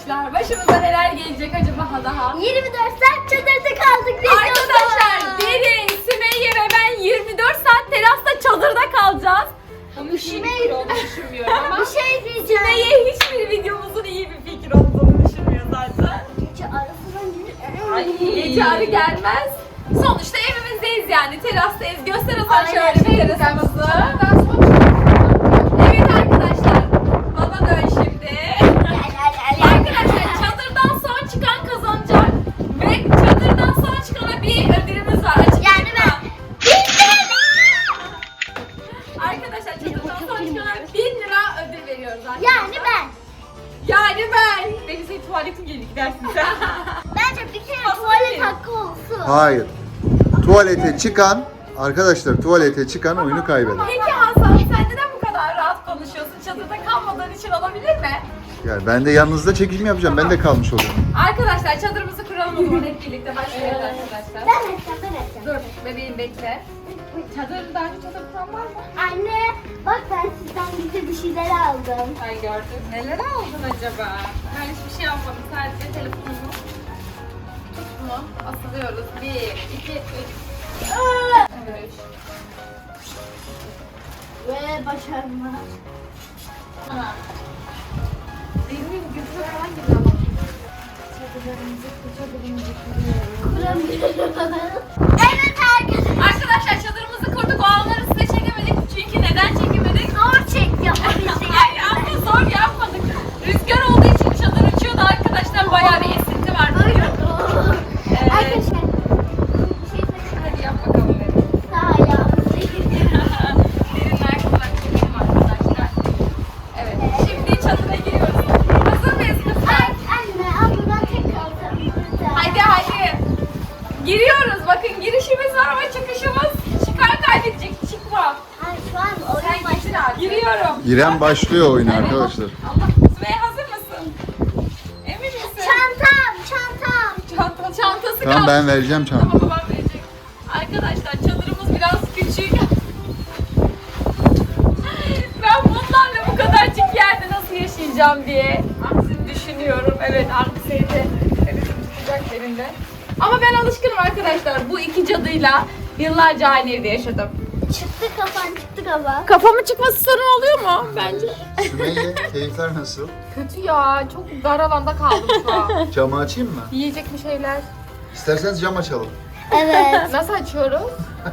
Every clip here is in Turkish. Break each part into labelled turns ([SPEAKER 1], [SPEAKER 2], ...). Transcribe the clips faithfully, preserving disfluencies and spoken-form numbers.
[SPEAKER 1] arkadaşlar. Başımıza neler gelecek acaba daha?
[SPEAKER 2] yirmi dört saat çadırda kaldık biz.
[SPEAKER 1] Arkadaşlar Derin, Sümeyye ve ben yirmi dört saat terasta çadırda kalacağız.
[SPEAKER 3] Bunun iyi bir fikir olduğunu düşünmüyorum ama.
[SPEAKER 2] Bir şey diyeceğim.
[SPEAKER 1] Sümeyye hiçbir videomuzun iyi bir fikir olduğunu düşünmüyor zaten.
[SPEAKER 2] Gece arasından gelir.
[SPEAKER 1] Ay, gece arı gelmez. Sonuçta evimizdeyiz yani. Terastayız. Göster Hasan
[SPEAKER 2] Aynen.
[SPEAKER 1] şöyle bir terasımızı. Evet arkadaşlar. Bana dön şimdi. Arkadaşlar çadırdan son çıkan kazanacak. Ve çadırdan son çıkana bir ödülümüz var. Açık
[SPEAKER 2] Yani ben.
[SPEAKER 1] Arkadaşlar çadırdan son çıkana bin lira ödül veriyoruz arkadaşlar.
[SPEAKER 2] Yani ben.
[SPEAKER 1] Yani ben. Benim senin tuvaletin gelir gidersin sen.
[SPEAKER 2] Bence bir kere
[SPEAKER 1] Aslında
[SPEAKER 2] tuvalet
[SPEAKER 1] değil.
[SPEAKER 2] hakkı olsun.
[SPEAKER 4] Hayır. Tuvalete çıkan, arkadaşlar tuvalete çıkan oyunu kaybeder.
[SPEAKER 1] Peki Hasan sen neden bu kadar rahat konuşuyorsun? Çadırda kalmadığın için olabilir mi?
[SPEAKER 4] Yani ben de yanınızda çekim yapacağım. Ben de kalmış oluyorum.
[SPEAKER 1] Arkadaşlar çadırımızı kuralım o zaman hep birlikte başlıyoruz arkadaşlar.
[SPEAKER 2] Ben edeceğim, ben edeceğim.
[SPEAKER 1] Dur bebeğim bekle. Çadır daha önce çadır kuran var mı?
[SPEAKER 2] Anne, bak ben sizden bize bir şeyler aldım.
[SPEAKER 1] Ay gördüm. Neler aldın acaba? Ben hiçbir şey almadım. Sadece telefonumu. Tut bunu. Asılıyoruz. Bir, iki, üç. Evet.
[SPEAKER 2] Ve başarma.
[SPEAKER 1] Tamam. Benim gözüme falan geliyor ama.
[SPEAKER 2] Kuramıyorum. Evet arkadaşlar.
[SPEAKER 1] Arkadaşlar çadırımızı kurduk. O anları size çekemedik. Çünkü neden çekemedik?
[SPEAKER 2] Zor çek yapabildik.
[SPEAKER 1] Ay aslında zor yapmadık. Rüzgar olduğu için çadır uçuyordu arkadaşlar. Bayağı bir esinti var. Evet.
[SPEAKER 2] Arkadaşlar. Bir şey söyleyeyim.
[SPEAKER 1] Hadi yap bakalım benim.
[SPEAKER 2] Sağ ayağımızı
[SPEAKER 1] Derin ayakkabılar çekelim arkadaşlar. Evet. Şimdi çadıra giriyoruz. Hazır mıyız kızlar?
[SPEAKER 2] Anne, al buradan tek kaldım.
[SPEAKER 1] Hadi hadi. Giriyoruz. Bakın girişimiz var ama çıkışımız. Çıkar kaybedecek. Çıkma.
[SPEAKER 2] Ay şu an
[SPEAKER 1] Sen
[SPEAKER 2] oyun
[SPEAKER 1] gitsin
[SPEAKER 2] başladı.
[SPEAKER 1] abi. Giriyorum.
[SPEAKER 4] İrem başlıyor oyuna arkadaşlar.
[SPEAKER 1] Allah. Sümeyye hazır mısın? Emin misin?
[SPEAKER 2] Çantam, çantam.
[SPEAKER 1] Çanta, çantası
[SPEAKER 4] Tamam
[SPEAKER 1] kaldı.
[SPEAKER 4] ben vereceğim
[SPEAKER 1] Tamam
[SPEAKER 4] çantayı.
[SPEAKER 1] babam verecek. Arkadaşlar çadırımız biraz küçük. Ben bunlarla bu kadarcık yerde nasıl yaşayacağım diye düşünüyorum. Evet anksiyete evet, tutacak yerinde. Ama ben alışkınım arkadaşlar. Bu iki cadıyla yıllarca aynı evde yaşadım.
[SPEAKER 2] Çıktı kafan, çıktı kafa.
[SPEAKER 1] Kafamın çıkması sorun oluyor mu? Bence.
[SPEAKER 4] Sümeyye keyifler nasıl?
[SPEAKER 1] Kötü ya. Çok dar alanda kaldım şu an.
[SPEAKER 4] Camı açayım mı?
[SPEAKER 1] Yiyecek bir şeyler.
[SPEAKER 4] İsterseniz cam açalım.
[SPEAKER 2] Evet.
[SPEAKER 1] Nasıl açıyoruz?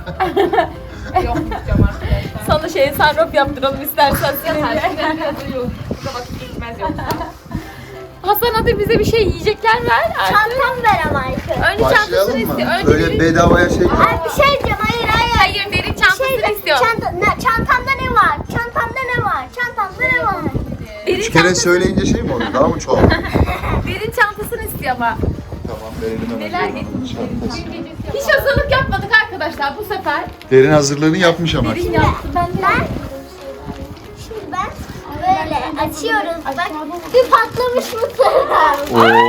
[SPEAKER 1] Yok cam arkadaşlar. Sana şey sarraf yaptıralım istersen seninle. Burada vakit geçmez yoksa. Hasan hadi bize bir şey yiyecekler ver. artık.
[SPEAKER 2] Çantam ver ama Aykı.
[SPEAKER 1] Önce çantasını
[SPEAKER 4] Başlayalım mı?
[SPEAKER 1] istiyor. Önce
[SPEAKER 4] Böyle
[SPEAKER 1] derin-
[SPEAKER 4] bedavaya şey yok.
[SPEAKER 2] Ay bir şey diyeceğim, hayır hayır.
[SPEAKER 1] Hayır derin çantasını
[SPEAKER 2] Şey de-
[SPEAKER 1] istiyor.
[SPEAKER 2] çanta, ne, çantamda ne var? Çantamda ne var? Çantamda ne var?
[SPEAKER 1] Derin,
[SPEAKER 4] Üç kere
[SPEAKER 1] çantası-
[SPEAKER 4] söyleyince şey mi oluyor? Daha mı çoğalır?
[SPEAKER 1] derin çantasını istiyor ama.
[SPEAKER 4] Tamam verelim hemen.
[SPEAKER 1] Neler
[SPEAKER 4] Derin çantası.
[SPEAKER 1] Hiç hazırlık yapmadık arkadaşlar bu sefer.
[SPEAKER 4] Derin hazırlığını yapmış ama.
[SPEAKER 1] Derin yaptı. Ben
[SPEAKER 2] Ben şimdi ben böyle açıyoruz. Bak bir patlamış mısır var.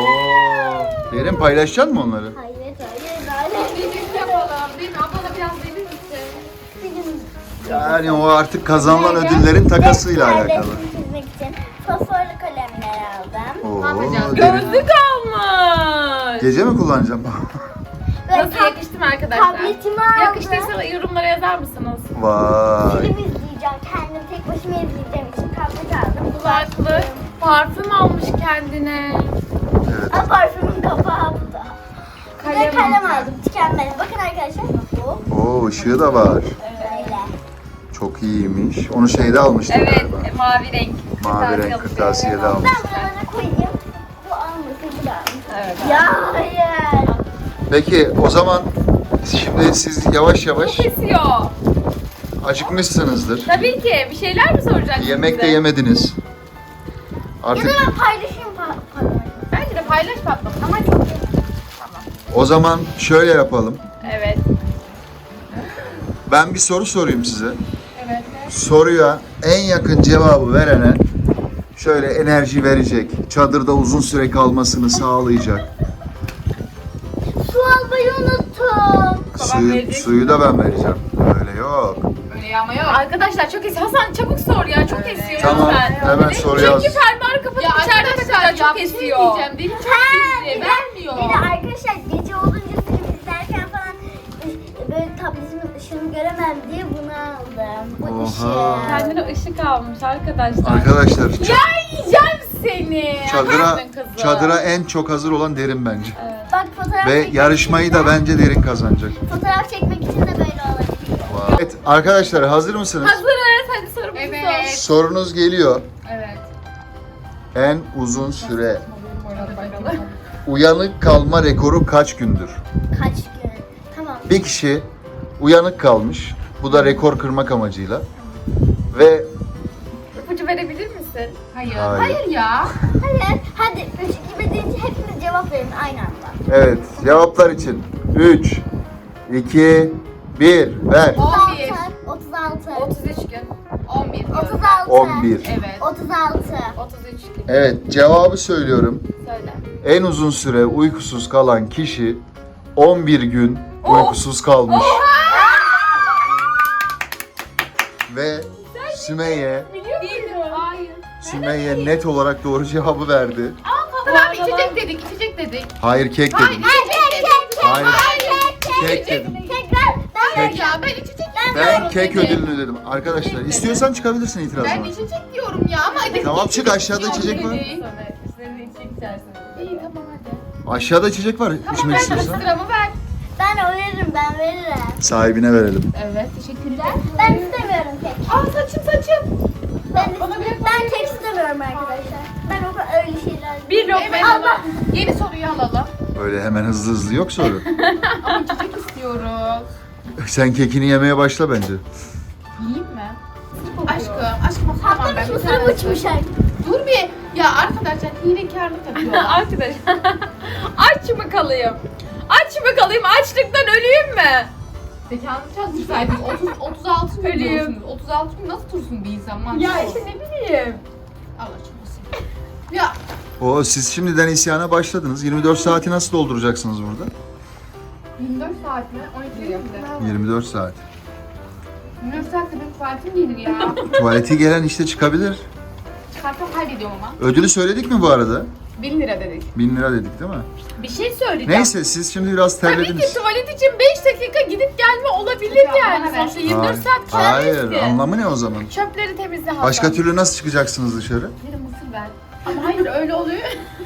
[SPEAKER 4] Oo. Derin paylaşacaksın mı onları?
[SPEAKER 2] Hayır hayır hayır.
[SPEAKER 1] yapalım. Değil mi? Ablana biraz verir misin?
[SPEAKER 4] Yani o artık kazanılan ödüllerin takasıyla alakalı.
[SPEAKER 2] Çizmek için fosforlu kalemler aldım.
[SPEAKER 4] Oo,
[SPEAKER 1] yapacağız?
[SPEAKER 4] derin.
[SPEAKER 1] Gözlük almış.
[SPEAKER 4] Gece mi kullanacağım?
[SPEAKER 2] Ve
[SPEAKER 1] Nasıl
[SPEAKER 2] tab-
[SPEAKER 1] yakıştı mı arkadaşlar?
[SPEAKER 2] tabletimi aldım.
[SPEAKER 1] Yakıştıysa yorumlara yazar mısınız?
[SPEAKER 4] Vay.
[SPEAKER 2] Film izleyeceğim. Kendim tek başıma izleyeceğim için tablet aldım.
[SPEAKER 1] Kulaklık, parfüm almış kendine.
[SPEAKER 4] Evet.
[SPEAKER 2] Aa, parfümün kapağı bu da. Bir de
[SPEAKER 1] Kalem
[SPEAKER 2] kalem
[SPEAKER 1] alacağım.
[SPEAKER 2] aldım. Tükenmedi. Bakın arkadaşlar. Bu
[SPEAKER 4] Oo ışığı da var.
[SPEAKER 2] böyle.
[SPEAKER 4] Çok iyiymiş. Onu şeyde almıştık
[SPEAKER 1] Evet,
[SPEAKER 4] galiba.
[SPEAKER 1] e, mavi renk.
[SPEAKER 4] Mavi
[SPEAKER 1] Kırtasiye
[SPEAKER 4] renk
[SPEAKER 1] alışveriş.
[SPEAKER 4] kırtasiyede almış.
[SPEAKER 2] Ben buralara koyayım. Bu almasın, bu da almasın.
[SPEAKER 1] Evet.
[SPEAKER 2] Ya hayır.
[SPEAKER 4] Peki o zaman şimdi siz yavaş yavaş
[SPEAKER 1] Çok esiyor.
[SPEAKER 4] acıkmışsınızdır.
[SPEAKER 1] Tabii ki. Bir şeyler mi soracaksınız
[SPEAKER 4] Yemek de
[SPEAKER 1] bize?
[SPEAKER 4] yemediniz.
[SPEAKER 2] Ya
[SPEAKER 4] Artık
[SPEAKER 2] da ben paylaşayım pa- parayı.
[SPEAKER 1] Bence de paylaş patlama.
[SPEAKER 2] Ama çok iyi.
[SPEAKER 4] o zaman şöyle yapalım.
[SPEAKER 1] Evet.
[SPEAKER 4] Ben bir soru sorayım size.
[SPEAKER 1] Evet.
[SPEAKER 4] Soruya en yakın cevabı verene şöyle enerji verecek, çadırda uzun süre kalmasını sağlayacak.
[SPEAKER 2] Su almayı unuttum.
[SPEAKER 1] Babam
[SPEAKER 4] Suyu,
[SPEAKER 1] verecek.
[SPEAKER 4] suyu da ben vereceğim. Öyle yok.
[SPEAKER 1] Öyle
[SPEAKER 3] ya ama yok.
[SPEAKER 1] Arkadaşlar çok esiyor. Hasan çabuk sor ya. Çok
[SPEAKER 3] Evet.
[SPEAKER 1] esiyor.
[SPEAKER 4] Tamam,
[SPEAKER 1] lütfen.
[SPEAKER 4] hemen soru yaz.
[SPEAKER 1] Çünkü fermuarı kapatıp
[SPEAKER 3] Ya
[SPEAKER 1] içeride
[SPEAKER 3] arkadaşlar
[SPEAKER 1] takacak
[SPEAKER 3] ya
[SPEAKER 1] çok
[SPEAKER 3] bir şey
[SPEAKER 1] esiyor.
[SPEAKER 3] diyeceğim. Deli çok
[SPEAKER 2] Bir
[SPEAKER 3] esiyor.
[SPEAKER 2] de,
[SPEAKER 3] Vermiyor.
[SPEAKER 2] bir de arkadaşlar gece olunca film izlerken falan böyle tabletimin ışığını göremem diye bunu aldım. Bu
[SPEAKER 4] Oha.
[SPEAKER 2] ışığı.
[SPEAKER 1] Kendine ışık almış arkadaşlar.
[SPEAKER 4] Arkadaşlar ç-
[SPEAKER 1] Ya yiyeceğim seni.
[SPEAKER 4] çadıra
[SPEAKER 1] Yaptın kızım.
[SPEAKER 4] çadıra en çok hazır olan Derin bence.
[SPEAKER 1] Evet.
[SPEAKER 2] Bak fotoğraf
[SPEAKER 4] Ve
[SPEAKER 2] çekmek
[SPEAKER 4] yarışmayı
[SPEAKER 2] için
[SPEAKER 4] da
[SPEAKER 2] de-
[SPEAKER 4] bence Derin kazanacak.
[SPEAKER 2] Fotoğraf çekmek için de böyle olabilir.
[SPEAKER 4] Evet arkadaşlar hazır mısınız?
[SPEAKER 1] Hazırız. Hadi sorumuzu
[SPEAKER 3] Evet.
[SPEAKER 4] Sorunuz geliyor.
[SPEAKER 3] Evet.
[SPEAKER 4] En uzun süre
[SPEAKER 1] sor. Bakalım.
[SPEAKER 4] uyanık kalma rekoru kaç gündür?
[SPEAKER 2] Kaç gün? Tamam.
[SPEAKER 4] Bir kişi uyanık kalmış. Bu da rekor kırmak amacıyla. Ve
[SPEAKER 1] İpucu verebilir misin?
[SPEAKER 3] Hayır.
[SPEAKER 4] Hayır.
[SPEAKER 3] Hayır, ya.
[SPEAKER 2] Hayır. Hadi üç gibi deyince hepiniz cevap verin aynı anda.
[SPEAKER 4] evet cevaplar için üç, iki, bir ver.
[SPEAKER 3] on bir.
[SPEAKER 2] otuz altı.
[SPEAKER 1] otuz üç gün.
[SPEAKER 3] on bir.
[SPEAKER 2] otuz altı.
[SPEAKER 4] on bir.
[SPEAKER 3] Evet.
[SPEAKER 2] otuz altı.
[SPEAKER 1] otuz üç gün.
[SPEAKER 4] Evet cevabı söylüyorum.
[SPEAKER 1] Söyle.
[SPEAKER 4] En uzun süre uykusuz kalan kişi on bir gün uykusuz kalmış. Ve Sümeyye,
[SPEAKER 1] Biliyor musun?
[SPEAKER 3] Hayır.
[SPEAKER 4] Sümeyye net olarak doğru cevabı verdi.
[SPEAKER 3] Tamam içecek dedik, içecek dedik.
[SPEAKER 4] Hayır kek
[SPEAKER 3] Hayır,
[SPEAKER 4] dedim.
[SPEAKER 3] içecek dedik.
[SPEAKER 4] Hayır
[SPEAKER 2] Kek, kek.
[SPEAKER 4] kek dedim.
[SPEAKER 2] Tekrar. Ben
[SPEAKER 3] Hayır ya, ben içecek
[SPEAKER 4] Ben kek ödülünü dedim. Arkadaşlar istiyorsan çıkabilirsin
[SPEAKER 3] Ben
[SPEAKER 4] itirazına.
[SPEAKER 3] içecek diyorum ya ama hadi.
[SPEAKER 4] Tamam, çık, aşağıda içecek var.
[SPEAKER 3] Dedi.
[SPEAKER 1] Sonra üstlerine içecek içersin.
[SPEAKER 3] İyi tamam hadi.
[SPEAKER 4] Aşağıda içecek var
[SPEAKER 3] Tamam
[SPEAKER 4] içmek
[SPEAKER 3] ver
[SPEAKER 4] istiyorsan.
[SPEAKER 3] sıramı ver.
[SPEAKER 2] Ben veririm, ben veririm.
[SPEAKER 4] Sahibine verelim.
[SPEAKER 3] Evet teşekkürler.
[SPEAKER 2] Ben istemiyorum kek.
[SPEAKER 3] Aa saçım saçım.
[SPEAKER 2] Ben,
[SPEAKER 3] Bana bir-
[SPEAKER 2] ben kek istemiyorum arkadaşlar. Ben o kadar öyle şeyler...
[SPEAKER 1] Bir lokma
[SPEAKER 3] Evet
[SPEAKER 1] Allah.
[SPEAKER 3] yeni soruyu alalım.
[SPEAKER 4] Böyle hemen hızlı hızlı yok soru.
[SPEAKER 3] Ama içecek istiyoruz.
[SPEAKER 4] Sen kekini yemeye başla bence.
[SPEAKER 3] Yiyeyim mi? Aşkım, aşkım tamam ben
[SPEAKER 2] Patlamış
[SPEAKER 3] bir
[SPEAKER 2] mısırım
[SPEAKER 3] tane
[SPEAKER 2] uçmuş
[SPEAKER 3] söyleyeyim. Dur bir. Ya arkadaşlar hilekarlık yapıyorlar.
[SPEAKER 1] Arkadaş. Aç mı kalayım? Aç mı kalayım? Açlıktan öleyim mi?
[SPEAKER 3] Zekanı çalışsaydınız otuz, otuz altı gün
[SPEAKER 1] Ölüyüm.
[SPEAKER 3] diyorsunuz. otuz altı gün nasıl dursun bir insan? Mantıklı
[SPEAKER 1] Ya
[SPEAKER 3] ol.
[SPEAKER 1] işte ne bileyim.
[SPEAKER 3] Allah aşkına. Ya
[SPEAKER 4] O siz şimdiden isyana başladınız. yirmi dört saati nasıl dolduracaksınız burada?
[SPEAKER 3] yirmi dört saat mi? on iki yaptı.
[SPEAKER 4] yirmi dört saat.
[SPEAKER 3] yirmi dört saatte benim tuvaletim gelir ya.
[SPEAKER 4] Tuvaleti gelen işte çıkabilir.
[SPEAKER 3] Çıkartsam kaybediyorum ama.
[SPEAKER 4] Ödülü söyledik mi bu arada?
[SPEAKER 3] bin lira dedik.
[SPEAKER 4] bin lira dedik değil mi?
[SPEAKER 1] Bir şey söyleyeceğim.
[SPEAKER 4] Neyse siz şimdi biraz
[SPEAKER 1] Tabii ki
[SPEAKER 4] terlediniz.
[SPEAKER 1] tuvalet için beş dakika gidip gelme olabilir
[SPEAKER 3] Ya,
[SPEAKER 1] yani.
[SPEAKER 3] bana ver.
[SPEAKER 1] Sonuçta yirmi dört saat
[SPEAKER 4] Hayır,
[SPEAKER 1] kalmıştı.
[SPEAKER 4] anlamı ne o zaman?
[SPEAKER 1] Çöpleri temizle Hasan.
[SPEAKER 4] Başka türlü nasıl çıkacaksınız dışarı?
[SPEAKER 3] Bir de mısır ver. Ama hayır öyle oluyor.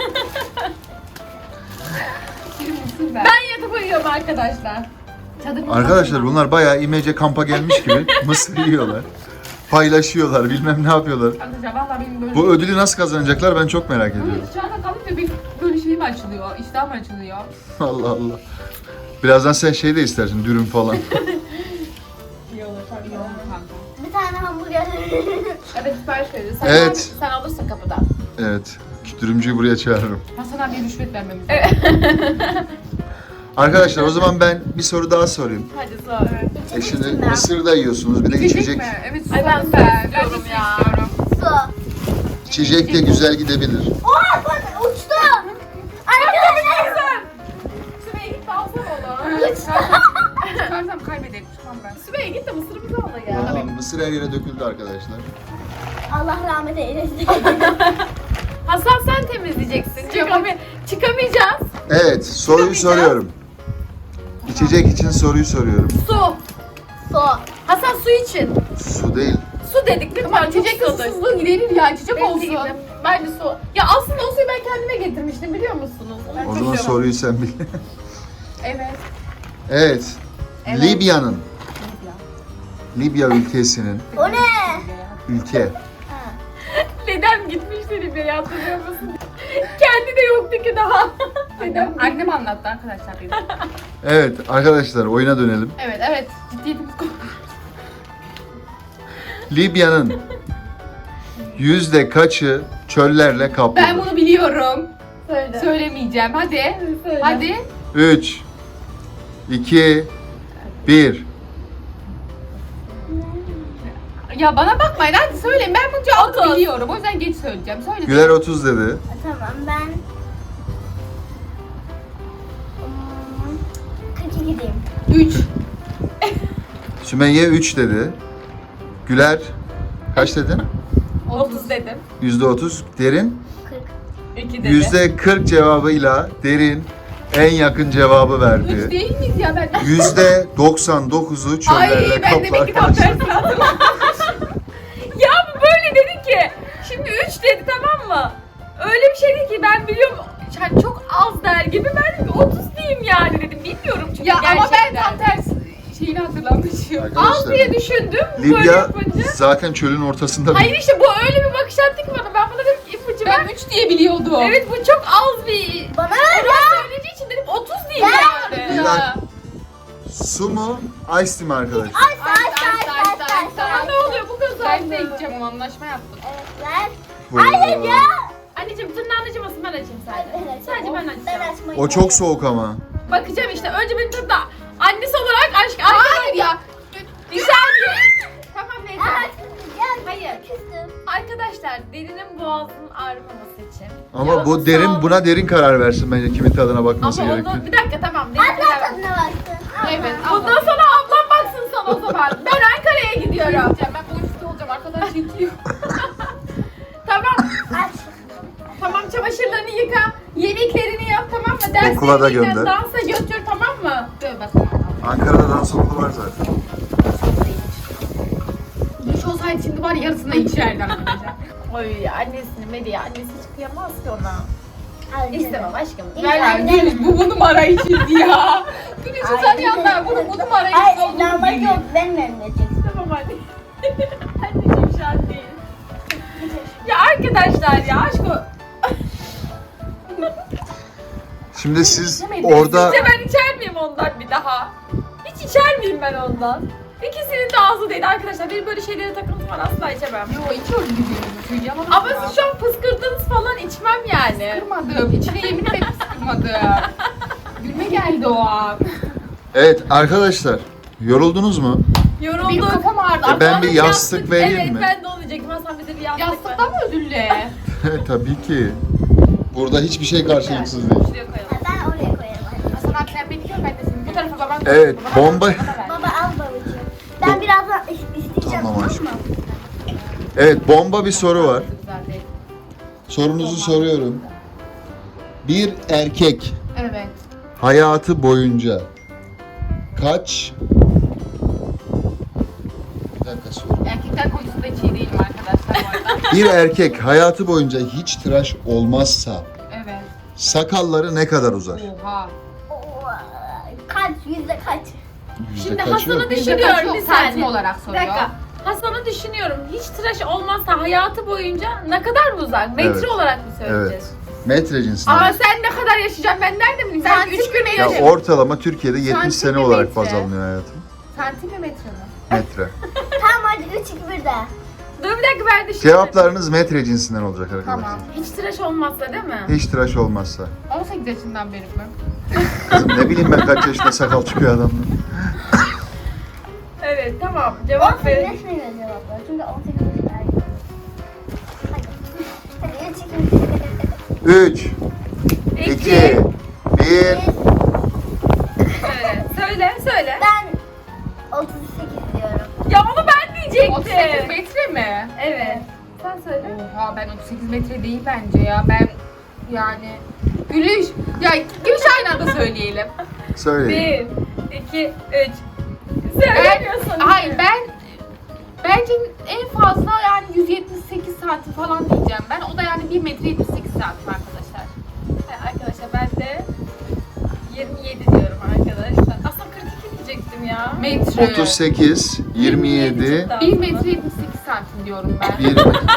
[SPEAKER 3] Bir mısır ver.
[SPEAKER 1] Ben yatıp uyuyorum arkadaşlar.
[SPEAKER 3] Çadır
[SPEAKER 4] Arkadaşlar bunlar bayağı imece kampa gelmiş gibi mısır yiyorlar. Paylaşıyorlar, bilmem ne yapıyorlar.
[SPEAKER 3] Arkadaşlar valla benim böyle...
[SPEAKER 4] Bu ödülü nasıl kazanacaklar ben çok merak ediyorum.
[SPEAKER 3] Böyle dışarıda kalınca bir böyle şey mi açılıyor? İştah mı açılıyor?
[SPEAKER 4] Allah Allah. Birazdan sen şey de istersin, dürüm falan.
[SPEAKER 3] İyi olur kanka.
[SPEAKER 2] Bir tane hamburger.
[SPEAKER 3] Evet sipariş veririz. Sen,
[SPEAKER 4] Evet.
[SPEAKER 3] sen alırsın kapıdan.
[SPEAKER 4] Evet, dürümcüyü buraya çağırırım.
[SPEAKER 3] Hasan abiye rüşvet vermemiz
[SPEAKER 4] Arkadaşlar o zaman ben bir soru daha sorayım.
[SPEAKER 1] Hadi sor.
[SPEAKER 4] E şimdi mısır da yiyorsunuz, bir de içecek.
[SPEAKER 3] mi? Evet
[SPEAKER 1] Ay ben
[SPEAKER 3] susadım
[SPEAKER 1] su
[SPEAKER 3] ben.
[SPEAKER 1] istiyorum
[SPEAKER 3] Ben de su
[SPEAKER 1] ya.
[SPEAKER 3] istiyorum.
[SPEAKER 2] Su.
[SPEAKER 4] İçecek de güzel gidebilir.
[SPEAKER 2] Oha bak uçtu. Arkadaşlar.
[SPEAKER 1] Sümeyye git de alsana onu.
[SPEAKER 3] Çıkarsam kaybederim. Çıkmam ben.
[SPEAKER 1] Sümeyye git de mısırımızı al ya.
[SPEAKER 4] Tamam, mısır her yere döküldü arkadaşlar.
[SPEAKER 2] Allah rahmet eylesin.
[SPEAKER 1] Hasan sen temizleyeceksin. Çıkami çıkamayacağız.
[SPEAKER 4] Evet, soruyu soruyorum. İçecek için soruyu soruyorum.
[SPEAKER 1] Su.
[SPEAKER 2] Su.
[SPEAKER 1] Hasan su için.
[SPEAKER 4] Su değil.
[SPEAKER 1] Su dedik lütfen.
[SPEAKER 3] Tamam
[SPEAKER 1] çok
[SPEAKER 3] içecek
[SPEAKER 1] susadık.
[SPEAKER 3] susuzluğu giderir ya. İçecek
[SPEAKER 1] Bence
[SPEAKER 3] olsun.
[SPEAKER 1] de. Bence su. Ya aslında o suyu ben kendime getirmiştim biliyor musunuz? Ben
[SPEAKER 4] O
[SPEAKER 1] çok
[SPEAKER 4] zaman
[SPEAKER 1] seviyorum.
[SPEAKER 4] soruyu sen bil.
[SPEAKER 3] Evet.
[SPEAKER 4] Evet. Libya'nın, Libya ülkesinin,
[SPEAKER 2] O ne?
[SPEAKER 4] ülke.
[SPEAKER 1] Dedem gitmişti Libya'ya hatırlıyor musun? Kendi de yoktu ki daha.
[SPEAKER 3] Annem, annem anlattı arkadaşlar benim.
[SPEAKER 4] Evet arkadaşlar oyuna dönelim.
[SPEAKER 3] Evet evet. Ciddiyetimiz konu.
[SPEAKER 4] Libya'nın yüzde kaçı çöllerle kaplıdır?
[SPEAKER 3] Ben bunu biliyorum.
[SPEAKER 1] Söyle.
[SPEAKER 3] Söylemeyeceğim. Hadi.
[SPEAKER 1] Söyle.
[SPEAKER 3] Hadi.
[SPEAKER 4] üç, iki, bir.
[SPEAKER 3] Ya bana bakmayın hadi söyleyin. Ben bu cevabı
[SPEAKER 1] Otuz.
[SPEAKER 3] biliyorum. O yüzden geç söyleyeceğim. Söyle.
[SPEAKER 4] Güler otuz dedi.
[SPEAKER 2] Tamam ben... Hmm, kırk iki diyeyim.
[SPEAKER 3] üç.
[SPEAKER 4] Sümeyye üç dedi. Güler kaç dedin?
[SPEAKER 1] otuz dedim.
[SPEAKER 4] yüzde otuz. Derin
[SPEAKER 2] kırk.
[SPEAKER 1] iki dedim.
[SPEAKER 4] yüzde kırk cevabıyla Derin en yakın cevabı
[SPEAKER 3] Üç
[SPEAKER 4] verdi.
[SPEAKER 3] değil miyiz ya ben?
[SPEAKER 4] yüzde doksan dokuzu çöllerle
[SPEAKER 3] Ay ben demek ki tam
[SPEAKER 4] kaplar.
[SPEAKER 3] tersini hatırladım.
[SPEAKER 1] Ya bu böyle dedi ki. Şimdi üç dedi, tamam mı? Öyle bir şeydi ki ben biliyorum. Yani çok az der gibi, ben otuz diyeyim yani dedim. Bilmiyorum çünkü
[SPEAKER 3] Ya ama ben
[SPEAKER 1] gerçekten.
[SPEAKER 3] tam tersi şeyini hatırlamışım.
[SPEAKER 1] Az diye
[SPEAKER 4] Arkadaşlar
[SPEAKER 1] düşündüm. Böyle
[SPEAKER 4] Libya
[SPEAKER 1] yapınca.
[SPEAKER 4] zaten çölün ortasında.
[SPEAKER 1] Hayır işte bu öyle bir bakış attı ki bana. Ben buna dedim ki ipucu ver.
[SPEAKER 3] Ben üç diye biliyordum.
[SPEAKER 1] Evet bu çok az bir...
[SPEAKER 2] Bana ver ya.
[SPEAKER 1] Ben söylediği için dedim otuz diyeyim yani.
[SPEAKER 4] Bir dakika. Su mu? Ice tea mi arkadaşlar?
[SPEAKER 2] Ay say say say say
[SPEAKER 1] Sana
[SPEAKER 2] say.
[SPEAKER 1] ne oluyor bu kız
[SPEAKER 3] Ben de
[SPEAKER 1] oldu?
[SPEAKER 3] gideceğim, anlaşma yaptık.
[SPEAKER 2] Evet ver.
[SPEAKER 4] Buyurun.
[SPEAKER 2] Hayır ya.
[SPEAKER 1] Anneciğim tırnağın acımasın, ben açayım sadece.
[SPEAKER 2] Evet,
[SPEAKER 1] Sadece ben
[SPEAKER 2] Ben
[SPEAKER 1] açacağım.
[SPEAKER 2] açmayı
[SPEAKER 4] O çok soğuk ama.
[SPEAKER 1] Bakacağım işte. Önce benim tabii da annesi olarak aşk
[SPEAKER 3] Hayır ya.
[SPEAKER 1] Güzel bir. Tamam neyse.
[SPEAKER 2] Gel.
[SPEAKER 1] Hayır.
[SPEAKER 2] Küstüm.
[SPEAKER 1] Arkadaşlar derinin boğazının ağrımaması için.
[SPEAKER 4] Ama
[SPEAKER 1] Ya,
[SPEAKER 4] bu
[SPEAKER 1] sağ
[SPEAKER 4] Derin
[SPEAKER 1] ol.
[SPEAKER 4] buna Derin karar versin bence kimin tadına bakması
[SPEAKER 1] Ama
[SPEAKER 4] gerekiyor.
[SPEAKER 1] onu bir dakika tamam. Derin
[SPEAKER 2] Abla
[SPEAKER 1] karar-
[SPEAKER 2] tadına baksın.
[SPEAKER 3] Evet.
[SPEAKER 1] Bundan sonra ablam baksın sana o zaman. Ben Ankara'ya gidiyorum.
[SPEAKER 3] Gideceğim, ben bu üstte olacağım, arkadan çekiyor.
[SPEAKER 1] Tamam.
[SPEAKER 2] Aç.
[SPEAKER 1] Tamam çamaşırlarını yıka. Yemeklerini yap, tamam mı? Derslerini
[SPEAKER 4] Okula da
[SPEAKER 1] yıka,
[SPEAKER 4] gönder.
[SPEAKER 1] Dansa götür, tamam mı?
[SPEAKER 3] Dur bakalım.
[SPEAKER 4] Ankara'da dans okulu var zaten.
[SPEAKER 3] Duş olsaydı şimdi var ya, yarısına içerdi arkadaşlar.
[SPEAKER 1] Oy annesini Medya annesi hiç kıyamaz ki ona.
[SPEAKER 2] Al.
[SPEAKER 1] İstemem aşkım.
[SPEAKER 2] İyi,
[SPEAKER 1] Ver
[SPEAKER 2] ay,
[SPEAKER 1] ver.
[SPEAKER 2] ne?
[SPEAKER 3] Gülüş bu bu numara içindi ya. Gülüş
[SPEAKER 2] Ay,
[SPEAKER 3] sen yanlar bunu bu numara
[SPEAKER 2] Ay
[SPEAKER 3] içindi.
[SPEAKER 2] normal yok. Benim elimde çeksin.
[SPEAKER 1] Tamam anne. Anneciğim şu an değil. Ya arkadaşlar ya aşk o.
[SPEAKER 4] Şimdi siz orada
[SPEAKER 1] Sizce ben içer miyim ondan bir daha? Hiç içer miyim ben ondan? İkisinin de ağzı değil arkadaşlar. Benim böyle şeylere takıntım var, asla içemem.
[SPEAKER 3] Yo içiyoruz gibi söyleyeceğim ama.
[SPEAKER 1] Ama siz şu an fıskırdınız falan, içmem yani.
[SPEAKER 3] Kırmadım. İçine yemin ederim sıkmadım. Gülme geldi o an.
[SPEAKER 4] evet arkadaşlar yoruldunuz mu?
[SPEAKER 3] Benim
[SPEAKER 1] Yoruldum.
[SPEAKER 3] kafam ağrıdı.
[SPEAKER 4] E, ben
[SPEAKER 3] Arkadaşlar,
[SPEAKER 4] bir yastık vereyim
[SPEAKER 1] evet,
[SPEAKER 4] mi?
[SPEAKER 1] ben de onu diyecektim. Hasan bize bir yastık ver.
[SPEAKER 3] Yastıktan mı özür dile?
[SPEAKER 4] Tabii ki. Burada hiçbir şey karşılıksız değil.
[SPEAKER 1] Şuraya koyalım.
[SPEAKER 2] Ben oraya koyarım. anne.
[SPEAKER 3] Hasan abi sen beni gör, ben de seni. Bu tarafa baban.
[SPEAKER 4] Evet,
[SPEAKER 3] baban-
[SPEAKER 4] bomba-
[SPEAKER 3] bana ver.
[SPEAKER 2] Baba al babacığım. Ben birazdan is- isteyeceğim.
[SPEAKER 4] Tamam
[SPEAKER 2] Tamam
[SPEAKER 4] aşkım.
[SPEAKER 2] mı?
[SPEAKER 4] Evet bomba bir soru var.
[SPEAKER 3] Güzel değil.
[SPEAKER 4] Sorunuzu soruyorum. Bir erkek
[SPEAKER 3] Evet.
[SPEAKER 4] hayatı boyunca kaç... Bir dakika soru.
[SPEAKER 3] Erkekler konusunda hiç iyi değilim arkadaşlar bu arada.
[SPEAKER 4] Bir erkek hayatı boyunca hiç tıraş olmazsa
[SPEAKER 3] Evet.
[SPEAKER 4] sakalları ne kadar uzar?
[SPEAKER 3] Oha.
[SPEAKER 2] Oo, Kaç yüzde kaç?
[SPEAKER 4] Yüzde
[SPEAKER 1] Şimdi
[SPEAKER 4] kaçı
[SPEAKER 1] Hasan'ı
[SPEAKER 4] yok?
[SPEAKER 1] düşünüyorum bir
[SPEAKER 3] Santim
[SPEAKER 1] saniye.
[SPEAKER 3] olarak
[SPEAKER 1] Bir
[SPEAKER 3] soruyor.
[SPEAKER 1] dakika. Hasan'ı düşünüyorum. Hiç tıraş olmazsa hayatı boyunca ne kadar mı uzak? Metre
[SPEAKER 4] Evet.
[SPEAKER 1] olarak mı söyleyeceğiz?
[SPEAKER 4] Metre cinsinden.
[SPEAKER 1] Ama sen ne kadar yaşayacaksın, ben nerede bileyim? Ben
[SPEAKER 3] Santim
[SPEAKER 1] üç gün
[SPEAKER 3] mi?
[SPEAKER 4] Ya
[SPEAKER 1] yaşayacağım.
[SPEAKER 4] ortalama Türkiye'de yetmiş sene olarak
[SPEAKER 3] Santimetre.
[SPEAKER 4] baz alınıyor hayatım.
[SPEAKER 3] Santimetre mi?
[SPEAKER 4] Metre.
[SPEAKER 2] Tamam hadi üç iki bir de.
[SPEAKER 1] Dur bir dakika ben düşünüyorum.
[SPEAKER 4] Cevaplarınız metre cinsinden olacak arkadaşlar.
[SPEAKER 3] Tamam.
[SPEAKER 1] Hiç tıraş olmazsa değil mi?
[SPEAKER 4] Hiç tıraş olmazsa.
[SPEAKER 3] on sekiz yaşından beri mi?
[SPEAKER 4] Kızım ne bileyim ben kaç yaşında sakal çıkıyor adamın.
[SPEAKER 1] Evet tamam
[SPEAKER 2] on
[SPEAKER 1] cevap
[SPEAKER 2] sekiz
[SPEAKER 1] verin.
[SPEAKER 2] yaş mı cevaplar? Çünkü on sekiz yaş erken. Hadi. Hadi üç iki bir.
[SPEAKER 4] üç, iki, bir.
[SPEAKER 1] Söyle, söyle, söyle.
[SPEAKER 2] Ben otuz sekiz diyorum.
[SPEAKER 1] Ya onu ben diyecektim.
[SPEAKER 3] otuz sekiz metre mi?
[SPEAKER 1] Evet. Sen söyle.
[SPEAKER 3] Oha ben otuz sekiz metre değil bence ya. Ben yani Gülüş. Ya Gülüş aynı anda söyleyelim.
[SPEAKER 4] Söyleyin.
[SPEAKER 1] Bir, iki, üç. Söylemiyorsun.
[SPEAKER 3] Ben, hayır ben bence en fazla yani yüz yetmiş sekiz santim falan diyeceğim ben. O da yani bir metre yetmiş sekiz santim arkadaşlar.
[SPEAKER 1] Ha, Arkadaşlar ben de yirmi yedi diyorum arkadaşlar. Aslında kırk iki diyecektim ya.
[SPEAKER 3] Metre.
[SPEAKER 4] otuz sekiz, yirmi yedi,
[SPEAKER 1] çıktı
[SPEAKER 3] bir
[SPEAKER 1] aslında.
[SPEAKER 3] metre yetmiş sekiz santim diyorum ben.
[SPEAKER 4] bir...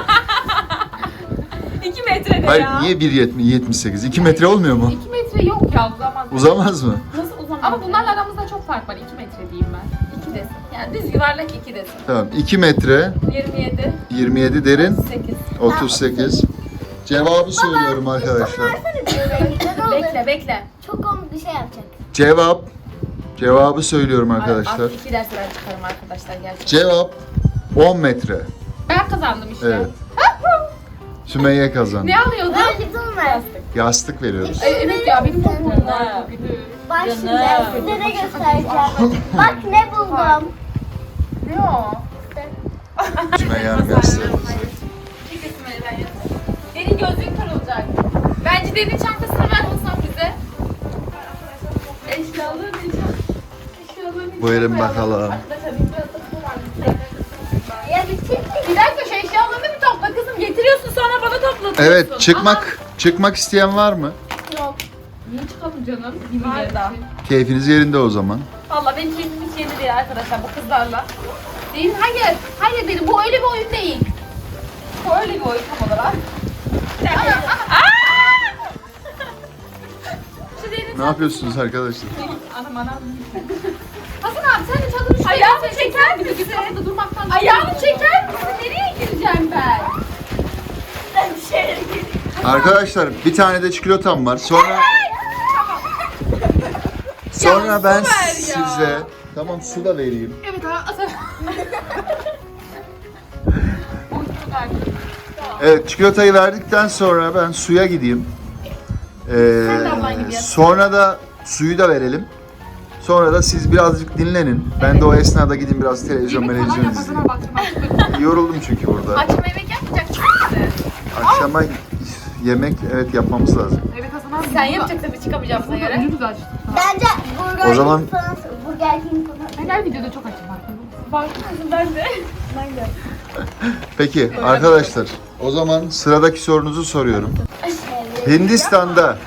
[SPEAKER 1] iki metre de
[SPEAKER 4] Hayır
[SPEAKER 1] ya.
[SPEAKER 4] niye bir yetmiş sekiz? iki metre olmuyor mu?
[SPEAKER 3] iki metre yok ya uzamaz.
[SPEAKER 4] Uzamaz mı?
[SPEAKER 1] Nasıl uzamaz?
[SPEAKER 3] Ama bunlarla aramızda çok fark var. iki metre diyeyim ben.
[SPEAKER 1] iki desin. Yani düz yuvarlak iki desin.
[SPEAKER 4] Tamam iki metre,
[SPEAKER 1] yirmi yedi,
[SPEAKER 4] yirmi yedi derin,
[SPEAKER 1] sekiz.
[SPEAKER 4] otuz sekiz. Cevabı söylüyorum arkadaşlar.
[SPEAKER 2] Versene bir renkli ne olur?
[SPEAKER 1] Bekle bekle.
[SPEAKER 2] Çok komik bir şey yapacak.
[SPEAKER 4] Cevap, cevabı söylüyorum arkadaşlar.
[SPEAKER 1] Artık iki dersi ben çıkarım arkadaşlar gerçekten.
[SPEAKER 4] Cevap on metre.
[SPEAKER 3] Ben kazandım işte.
[SPEAKER 4] Evet. Sümeyye kazandı.
[SPEAKER 3] Ne alıyordun?
[SPEAKER 2] Ver lütfen ver.
[SPEAKER 4] Yastık veriyoruz.
[SPEAKER 3] E, evet ya benim çok boğum var.
[SPEAKER 1] Ha.
[SPEAKER 2] Bak şimdi
[SPEAKER 1] Canım.
[SPEAKER 2] size ne göstereceğim. Bak ne buldum.
[SPEAKER 3] Ne o?
[SPEAKER 4] Sümeyye Hanım gösterir.
[SPEAKER 1] Çek Sümeyye'den yanına. Derin gözlüğün kırılacak. Bence Derin çantasını ver Hasan bize. Eşyalarını Eşyalarını
[SPEAKER 4] Buyurun bakalım.
[SPEAKER 1] Arkadaşlar bir biraz da bu var.
[SPEAKER 2] Ya bir çek.
[SPEAKER 1] Bir dakika şu eşyalarını bir topla kızım. Getiriyorsun sonra bana toplatıyorsun.
[SPEAKER 4] Evet, çıkmak çıkmak isteyen var mı?
[SPEAKER 1] Yok.
[SPEAKER 3] Niye çıkalım canım?
[SPEAKER 1] Var da.
[SPEAKER 4] Keyfiniz yerinde o zaman.
[SPEAKER 1] Valla benim keyfim hiç yerinde değil arkadaşlar bu kızlarla.
[SPEAKER 3] Değil, hayır. Hayır dedim, bu öyle bir oyun değil.
[SPEAKER 1] Bu öyle bir oyun tam olarak. Bir dakika. Aa! Şu Derin
[SPEAKER 4] Ne yapıyorsunuz arkadaşlar?
[SPEAKER 1] Anam anam.
[SPEAKER 3] Hasan abi sen de çadırı şuraya
[SPEAKER 1] Ayağını
[SPEAKER 3] getireceksin.
[SPEAKER 1] çeker
[SPEAKER 3] Bir de
[SPEAKER 1] misin?
[SPEAKER 3] kapıda durmaktan
[SPEAKER 1] Ayağını çeker misin? Nereye gireceğim ben?
[SPEAKER 2] Ben dışarı gireyim.
[SPEAKER 4] Arkadaşlar bir tane de çikolatam var. Sonra sonra
[SPEAKER 1] Ya,
[SPEAKER 4] ben
[SPEAKER 1] su ver ya.
[SPEAKER 4] size tamam su da vereyim.
[SPEAKER 3] Evet Hasan.
[SPEAKER 4] Evet çikolatayı verdikten sonra ben suya gideyim. Ee,
[SPEAKER 1] Sen de ablan gibi yap.
[SPEAKER 4] sonra da suyu da verelim. Sonra da siz birazcık dinlenin. Ben de o esnada gideyim biraz televizyon
[SPEAKER 3] Yemek falan
[SPEAKER 4] televizyon
[SPEAKER 3] yap
[SPEAKER 4] izleyeyim.
[SPEAKER 3] Hasan baktım.
[SPEAKER 4] Yoruldum çünkü burada.
[SPEAKER 1] Akşam yemek yapmayacak mısın bize?
[SPEAKER 4] Akşama yemek evet yapmamız lazım.
[SPEAKER 3] Evet Hasan abi.
[SPEAKER 1] Sen
[SPEAKER 3] burada-
[SPEAKER 1] yapacaksın biz çıkamayacağımıza
[SPEAKER 3] Burada
[SPEAKER 1] göre.
[SPEAKER 3] ucuz açtık.
[SPEAKER 2] Bence Burger
[SPEAKER 4] O zaman-
[SPEAKER 2] King falan, Burger King falan.
[SPEAKER 3] Ben her videoda çok açım bak.
[SPEAKER 1] Farkındasın ben de. Ben de.
[SPEAKER 4] Peki arkadaşlar o zaman sıradaki sorunuzu soruyorum.
[SPEAKER 2] Evet.
[SPEAKER 4] Hindistan'da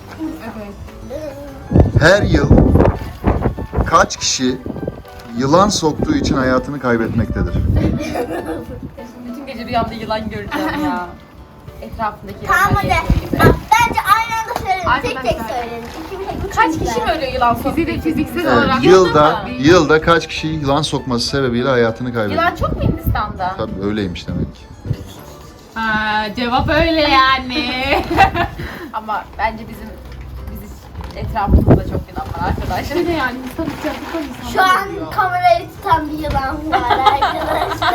[SPEAKER 3] Evet.
[SPEAKER 4] her yıl kaç kişi yılan soktuğu için hayatını kaybetmektedir?
[SPEAKER 1] Bütün gece rüyamda yılan göreceğim ya. Etrafındaki
[SPEAKER 2] Tamam hadi.
[SPEAKER 1] yılanlar gibi.
[SPEAKER 2] Bak, bence aynı anda söyleyelim. Tek tek
[SPEAKER 3] Arkadaşlar.
[SPEAKER 2] söyleyelim. İkimiz de
[SPEAKER 1] Kaç
[SPEAKER 2] üçümüz
[SPEAKER 1] kişi
[SPEAKER 2] de.
[SPEAKER 1] mi ölüyor yılan soktuğu
[SPEAKER 3] Fizi-
[SPEAKER 1] için?
[SPEAKER 3] fiziksel
[SPEAKER 4] Evet,
[SPEAKER 3] olarak.
[SPEAKER 4] yılda
[SPEAKER 1] mı?
[SPEAKER 4] yılda kaç kişi yılan sokması sebebiyle hayatını kaybediyor?
[SPEAKER 1] Yılan çok mu Hindistan'da?
[SPEAKER 4] Tabii öyleymiş demek ki.
[SPEAKER 3] Ha, cevap öyle yani.
[SPEAKER 1] Ama bence bizim biz etrafımızda çok yılan var arkadaşlar.
[SPEAKER 3] Ne yani insan sıcaklıktan insan
[SPEAKER 2] Şu an kamerayı tutan bir yılan var arkadaşlar.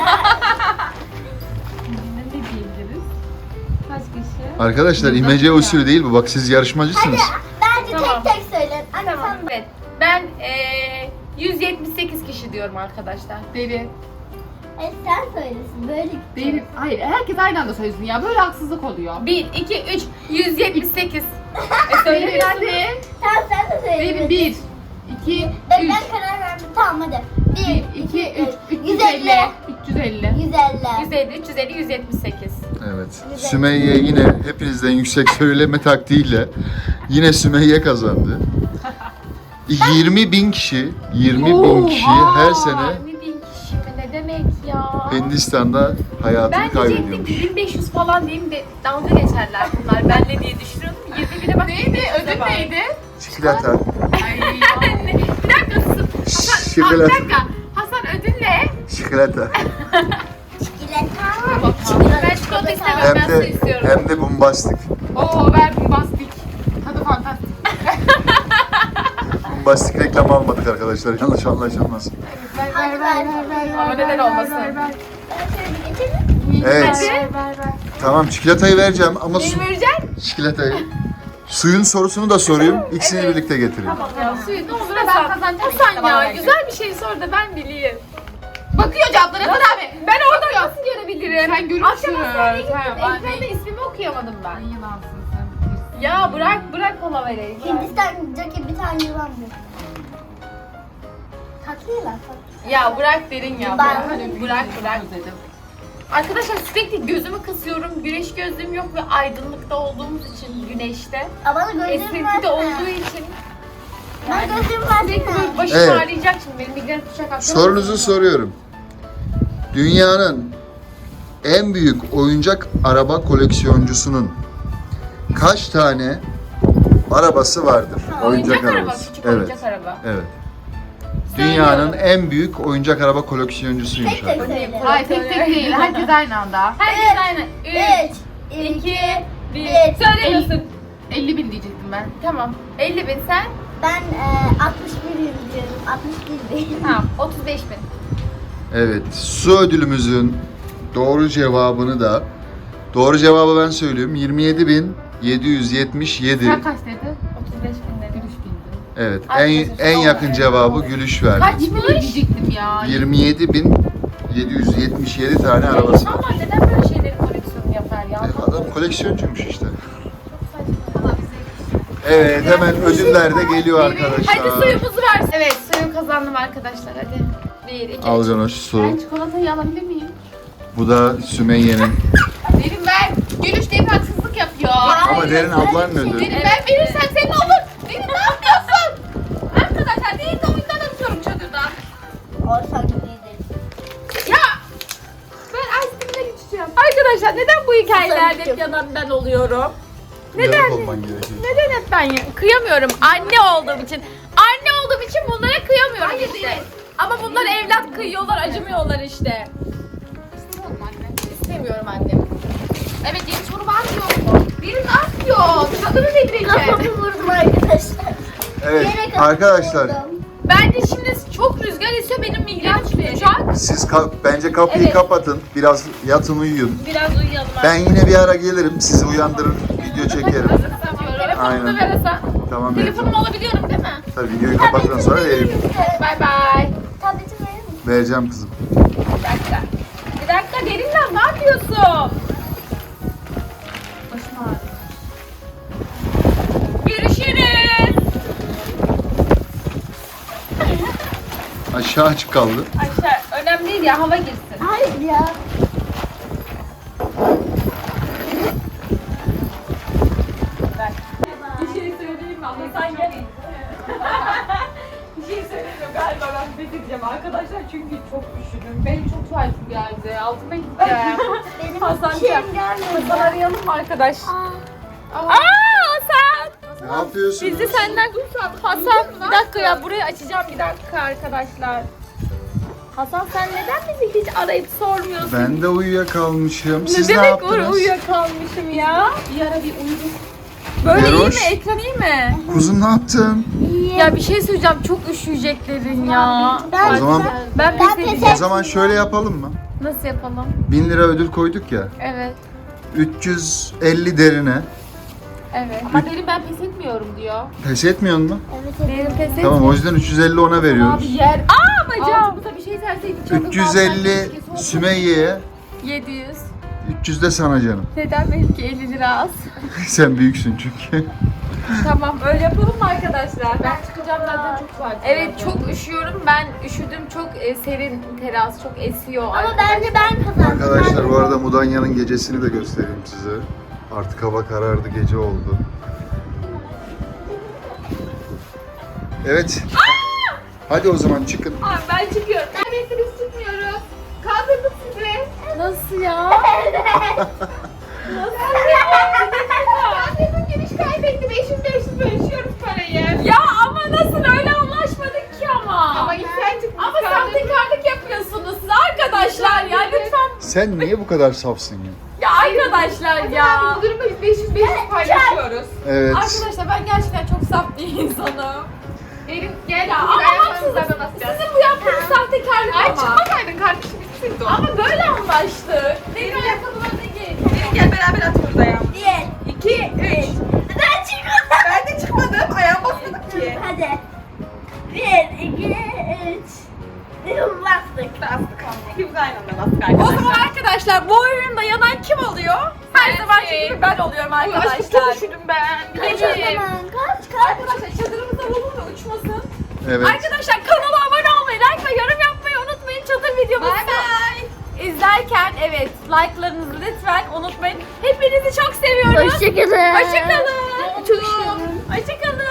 [SPEAKER 3] ne diyebiliriz? Kaç kişi?
[SPEAKER 4] Arkadaşlar
[SPEAKER 3] Yılda
[SPEAKER 4] imece
[SPEAKER 3] ya.
[SPEAKER 4] usulü değil bu. Bak siz yarışmacısınız.
[SPEAKER 2] Bence
[SPEAKER 1] Tamam.
[SPEAKER 2] tek tek söyleyin. Anne
[SPEAKER 1] Tamam.
[SPEAKER 2] sen
[SPEAKER 1] Evet. Ben eee yüz yetmiş sekiz kişi diyorum arkadaşlar.
[SPEAKER 3] Deri.
[SPEAKER 2] Evet, sen söylesin. Böyle
[SPEAKER 3] Deri. Hayır herkes aynı anda söylesin ya. Böyle haksızlık oluyor.
[SPEAKER 1] bir, iki, üç, yüz yetmiş sekiz. E
[SPEAKER 3] Deri
[SPEAKER 1] söylemiyorsun.
[SPEAKER 2] Tamam sen de söyle.
[SPEAKER 3] Deri bir. İki.
[SPEAKER 2] Ben,
[SPEAKER 3] Üç.
[SPEAKER 2] ben karar verdim. Tamam hadi.
[SPEAKER 3] Bir, iki, üç. üç yüz
[SPEAKER 2] yüz
[SPEAKER 3] elli.
[SPEAKER 2] elli.
[SPEAKER 3] üç yüz elli.
[SPEAKER 2] yüz elli.
[SPEAKER 1] yüz elli, üç yüz elli, yüz yetmiş sekiz.
[SPEAKER 4] Evet. Sümeyye yine hepinizden yüksek söyleme taktiğiyle yine Sümeyye kazandı. yirmi bin kişi, yirmi bin kişi her sene
[SPEAKER 1] yirmi bin kişi mi? Ne demek ya?
[SPEAKER 4] Hindistan'da hayatını
[SPEAKER 1] Ben diyecektim
[SPEAKER 4] kaybediyormuş.
[SPEAKER 1] ki bin beş yüz falan diyeyim de dalga geçerler bunlar. Ben ne diye düşünüyordum. yirmi bine bak.
[SPEAKER 3] Neydi? Ödül neydi?
[SPEAKER 4] Çikolata.
[SPEAKER 3] Ay.
[SPEAKER 1] Bir dakika sus. Hasan, aa, bir
[SPEAKER 4] Çikolata.
[SPEAKER 1] dakika. Hasan ödül ne?
[SPEAKER 4] Çikolata.
[SPEAKER 2] Çikolata.
[SPEAKER 1] Ben çikolata istemem.
[SPEAKER 4] Hem
[SPEAKER 1] Ben su
[SPEAKER 4] de
[SPEAKER 1] istiyorum.
[SPEAKER 4] hem de bombastik.
[SPEAKER 3] Oo ver bombastik. Tadı fantastik.
[SPEAKER 4] Bombastik reklam almadık arkadaşlar. Yanlış anlaşılmasın.
[SPEAKER 3] Ver ver ver ver ver.
[SPEAKER 1] Ama neden olmasın?
[SPEAKER 3] Ver ver.
[SPEAKER 2] Ben şöyle bir geçelim.
[SPEAKER 4] Evet.
[SPEAKER 3] Ver ver ver.
[SPEAKER 4] Tamam çikolatayı vereceğim ama su,
[SPEAKER 1] Neyi vereceksin?
[SPEAKER 4] çikolatayı. Suyun sorusunu da sorayım. İkisini birlikte getireyim.
[SPEAKER 1] Tamam ya suyu ne olur
[SPEAKER 3] Ben
[SPEAKER 1] Hasan.
[SPEAKER 3] kazanacağım.
[SPEAKER 1] Hasan ya güzel bir şey sor da ben bileyim.
[SPEAKER 3] Bakıyor cevaplara Hasan abi.
[SPEAKER 1] Ben oradan nasıl görebilirim?
[SPEAKER 3] Sen görürsün.
[SPEAKER 1] Akşam hastaneye gittim.
[SPEAKER 3] Sen- ben
[SPEAKER 1] Ekranda
[SPEAKER 3] değil.
[SPEAKER 1] ismimi okuyamadım ben.
[SPEAKER 3] Sen yılansın sen.
[SPEAKER 1] Ya bırak bırak kola vereyim. bırak.
[SPEAKER 2] Hindistan'daki bir tane yılan bu. Tatlı yılan. tatlı.
[SPEAKER 1] Ya bırak derin ya.
[SPEAKER 2] Ben-
[SPEAKER 1] Bırak bırak. bırak.
[SPEAKER 3] Dedim.
[SPEAKER 1] Arkadaşlar sürekli gözümü kısıyorum. Güneş gözlüğüm yok ve aydınlıkta olduğumuz için güneşte.
[SPEAKER 2] Aa, bana gözlüğüm
[SPEAKER 1] Esintide olduğu
[SPEAKER 2] versene.
[SPEAKER 1] için.
[SPEAKER 2] Ben gözlüğüm versene.
[SPEAKER 1] Başım
[SPEAKER 4] Evet.
[SPEAKER 1] ağrıyacak şimdi. Benim migren tutacak. akşam.
[SPEAKER 4] Sorunuzu soruyorum. Dünyanın en büyük oyuncak araba koleksiyoncusunun kaç tane arabası vardır?
[SPEAKER 1] Oyuncak araba.
[SPEAKER 4] arabası.
[SPEAKER 1] Küçük
[SPEAKER 4] Evet.
[SPEAKER 1] oyuncak araba.
[SPEAKER 4] Evet. Dünyanın en büyük oyuncak araba koleksiyoncusuymuş.
[SPEAKER 2] Tek tek
[SPEAKER 4] abi.
[SPEAKER 2] söyle.
[SPEAKER 3] Hayır tek tek değil. Herkes aynı anda.
[SPEAKER 1] Herkes aynı. üç,
[SPEAKER 2] üç,
[SPEAKER 1] iki,
[SPEAKER 2] iki,
[SPEAKER 1] bir.
[SPEAKER 2] bir.
[SPEAKER 1] Söylemiyorsun.
[SPEAKER 3] elli bin diyecektim ben.
[SPEAKER 1] Tamam. elli bin sen.
[SPEAKER 2] Ben e, altmış bir yıl diyorum. altmış bir bin.
[SPEAKER 1] Tamam. otuz beş bin.
[SPEAKER 4] Evet. Su ödülümüzün doğru cevabını da doğru cevabı ben söylüyorum. yirmi yedi bin yedi yüz yetmiş yedi.
[SPEAKER 3] Sen kaç dedin?
[SPEAKER 1] otuz beş bin dedim.
[SPEAKER 3] Gülüş bindi.
[SPEAKER 4] Evet. En
[SPEAKER 1] Arkadaşlar,
[SPEAKER 4] en
[SPEAKER 1] son-
[SPEAKER 4] yakın cevabı Gülüş verdi.
[SPEAKER 3] Kaç bin diyecektim ya?
[SPEAKER 4] yirmi yedi bin yedi yüz yetmiş yedi tane arabası var.
[SPEAKER 1] İnsanlar neden böyle şeylerin koleksiyonunu yapar ya?
[SPEAKER 4] E, adam koleksiyoncuymuş işte.
[SPEAKER 3] Çok saçma.
[SPEAKER 4] Evet, hemen ödüller de geliyor arkadaşlar.
[SPEAKER 1] Hadi suyumuzu versin.
[SPEAKER 3] Evet suyu kazandım arkadaşlar hadi. Bir, iki,
[SPEAKER 4] Al Canoş su.
[SPEAKER 3] Ben çikolatayı alabilir miyim?
[SPEAKER 4] Bu da Sümeyye'nin.
[SPEAKER 3] Derin ver. Gülüş deyip haksızlık yapıyor.
[SPEAKER 4] Ama Derin ablanın ödülü.
[SPEAKER 3] Derin ben verirsem senin olur. Derin ne yapıyorsun? Arkadaşlar değil de oyundan atıyorum çadırdan.
[SPEAKER 2] Olsa iyidir.
[SPEAKER 3] Ya ben ice cream'e geçeceğim.
[SPEAKER 1] Arkadaşlar neden bu hikayelerde hep yanan ben oluyorum? Neden?
[SPEAKER 4] Yarım olman gerekiyor.
[SPEAKER 1] Neden hep ben ya- kıyamıyorum anne olduğum için. Anne olduğum için bunlara kıyamıyorum
[SPEAKER 3] Hayır,
[SPEAKER 1] işte.
[SPEAKER 3] değil.
[SPEAKER 1] Ama bunlar evlat kıyıyorlar, acımıyorlar işte.
[SPEAKER 3] İstemiyorum anne.
[SPEAKER 1] İstemiyorum annem.
[SPEAKER 3] Evet yeni soru var mı yok mu? Derin ne yapıyor? Çadırı devireceğim.
[SPEAKER 2] Kafamı vurdum arkadaşlar.
[SPEAKER 4] Evet
[SPEAKER 2] Yere kafamı
[SPEAKER 4] arkadaşlar
[SPEAKER 2] vurdum.
[SPEAKER 1] Bence şimdi çok rüzgar esiyor, benim migrenim tutacak.
[SPEAKER 4] siz ka- bence kapıyı
[SPEAKER 1] Evet.
[SPEAKER 4] kapatın. Biraz yatın uyuyun.
[SPEAKER 1] Biraz uyuyalım.
[SPEAKER 4] Ben yine bir ara gelirim. Sizi uyandırır. Video çekerim.
[SPEAKER 1] Telefonumu
[SPEAKER 4] Aynen.
[SPEAKER 1] da ver Hasan.
[SPEAKER 4] Tamam
[SPEAKER 1] Telefonumu
[SPEAKER 4] vereceğim.
[SPEAKER 1] alabiliyorum değil mi?
[SPEAKER 4] Tabii videoyu kapattıktan sonra veririm.
[SPEAKER 1] Bay bay.
[SPEAKER 2] Tabletimi verir misin?
[SPEAKER 4] Vereceğim kızım.
[SPEAKER 1] Bir dakika. Bir dakika Derinler ne yapıyorsun?
[SPEAKER 3] Başım ağrıyor.
[SPEAKER 1] Görüşürüz.
[SPEAKER 4] Aşağı açık kaldı.
[SPEAKER 1] Aşağı önemli değil ya, hava girsin.
[SPEAKER 2] Hayır ya.
[SPEAKER 1] Ver. Bir şey söyleyeyim mi? Ama sen gel. Bir şey söyleyeyim galiba ben pes edeceğim arkadaşlar çünkü çok üşüdüm.
[SPEAKER 3] Benim çok tuvaletim geldi. Altıma gideceğim.
[SPEAKER 2] Benim
[SPEAKER 1] Hasan
[SPEAKER 2] bir şeyim
[SPEAKER 1] gel.
[SPEAKER 2] gelmedi.
[SPEAKER 1] Hasan arayalım mı arkadaş?
[SPEAKER 2] Aa,
[SPEAKER 1] Aa Hasan!
[SPEAKER 4] Ne yapıyorsunuz?
[SPEAKER 1] Bizi senden Hasan bir dakika ya, burayı açacağım bir dakika arkadaşlar. Hasan sen neden bizi hiç arayıp sormuyorsun?
[SPEAKER 4] Ben de uyuyakalmışım. Siz
[SPEAKER 1] ne
[SPEAKER 4] ne,
[SPEAKER 1] demek
[SPEAKER 4] yaptınız?
[SPEAKER 1] uyuyakalmışım ya?
[SPEAKER 3] Bir ara bir uyudum.
[SPEAKER 1] Böyle iyi
[SPEAKER 4] Meroş.
[SPEAKER 1] mi? Ekran iyi mi?
[SPEAKER 4] Kuzum ne yaptın?
[SPEAKER 2] iyi.
[SPEAKER 1] Ya bir şey söyleyeceğim, çok üşüyeceklerin ya.
[SPEAKER 2] Ben-
[SPEAKER 4] O zaman
[SPEAKER 1] Ben
[SPEAKER 2] Ben
[SPEAKER 1] pes
[SPEAKER 2] pes
[SPEAKER 1] edeceğim.
[SPEAKER 4] o zaman şöyle yapalım mı?
[SPEAKER 1] Nasıl yapalım?
[SPEAKER 4] bin lira ödül koyduk ya.
[SPEAKER 1] Evet.
[SPEAKER 4] üç yüz elli Derine.
[SPEAKER 1] Evet.
[SPEAKER 3] Ama Derin ben pes etmiyorum diyor.
[SPEAKER 4] Pes etmiyor mu?
[SPEAKER 2] Evet,
[SPEAKER 1] Benim
[SPEAKER 2] evet.
[SPEAKER 1] pes et.
[SPEAKER 4] Tamam o yüzden üç yüz elli ona veriyoruz.
[SPEAKER 3] Abi yer.
[SPEAKER 1] Aa bacağım.
[SPEAKER 3] Altımıza bir şey serseydik. çadırdan
[SPEAKER 4] üç yüz elli
[SPEAKER 3] keşke soğuk-
[SPEAKER 4] Sümeyye'ye,
[SPEAKER 1] yedi yüz.
[SPEAKER 4] üç yüz de sana canım.
[SPEAKER 1] Neden benimki elli lira az?
[SPEAKER 4] Sen büyüksün çünkü.
[SPEAKER 1] Tamam öyle yapalım mı arkadaşlar?
[SPEAKER 3] Ben çıkacağım zaten çok tuvaletim
[SPEAKER 1] Evet
[SPEAKER 3] geldi.
[SPEAKER 1] çok üşüyorum. Ben üşüdüm. Çok e, serin teras. Çok esiyor.
[SPEAKER 2] Ama bence ben kazandım.
[SPEAKER 4] Arkadaşlar bu arada Mudanya'nın gecesini de göstereyim size. Artık hava karardı, gece oldu. Evet. Hadi o zaman çıkın.
[SPEAKER 1] Abi ben çıkıyorum.
[SPEAKER 3] Neredeyse biz çıkmıyoruz. Kaldırdık sizi.
[SPEAKER 1] Nasıl ya?
[SPEAKER 3] Kaldırdım giriş kaybetti. beş yüz beş yüz bölüşüyoruz parayı.
[SPEAKER 1] Ya ama nasıl, öyle anlaşmadık ki ama.
[SPEAKER 3] Ama ilk sen çıktın.
[SPEAKER 1] Ama sahtekarlık yapıyorsunuz siz arkadaşlar ya, lütfen.
[SPEAKER 4] Sen niye bu kadar safsın ya?
[SPEAKER 1] Ya arkadaşlar ya.
[SPEAKER 3] Bu durumda biz beş yüz beş yüz paylaşıyoruz.
[SPEAKER 4] Evet.
[SPEAKER 1] Arkadaşlar ben gerçekten çok saf bir insanım.
[SPEAKER 3] Derin gel.
[SPEAKER 1] Ya
[SPEAKER 3] Ya,
[SPEAKER 1] ama haksızlık. Sizin bu yaptığınız sahtekarlık
[SPEAKER 3] Ay
[SPEAKER 1] ama.
[SPEAKER 3] çıkmasaydın kardeşim bitsin o.
[SPEAKER 1] Ama böyle anlaştık. Benim ayakkabılarına giy.
[SPEAKER 3] Derin gel beraber atıyoruz ayağımı.
[SPEAKER 2] Bir,
[SPEAKER 3] iki, üç.
[SPEAKER 2] ben çıkmadım.
[SPEAKER 3] Ben de çıkmadım. Ayağım basmadık ki.
[SPEAKER 2] Hadi. Bir, iki, üç. Bastık.
[SPEAKER 3] Bastık. İkimiz aynı anda bastık
[SPEAKER 1] O zaman arkadaşlar bu oyunda yanan kim oluyor? Her zamanki gibi ben oluyorum
[SPEAKER 3] Aşkım
[SPEAKER 1] arkadaşlar.
[SPEAKER 3] çok üşüdüm ben.
[SPEAKER 2] Kaç o
[SPEAKER 3] Benim.
[SPEAKER 2] zaman? Kaç kaç?
[SPEAKER 1] Arkadaşlar çadırımıza vurun da uçmasın.
[SPEAKER 4] Evet.
[SPEAKER 1] Arkadaşlar kanala abone olmayı, like ve yorum yapmayı unutmayın. Çadır videomuzu
[SPEAKER 3] Bay bay.
[SPEAKER 1] izlerken evet like'larınızı lütfen unutmayın. Hepinizi çok seviyoruz.
[SPEAKER 2] Hoşçakalın.
[SPEAKER 1] Hoşçakalın. Hoşçakalın.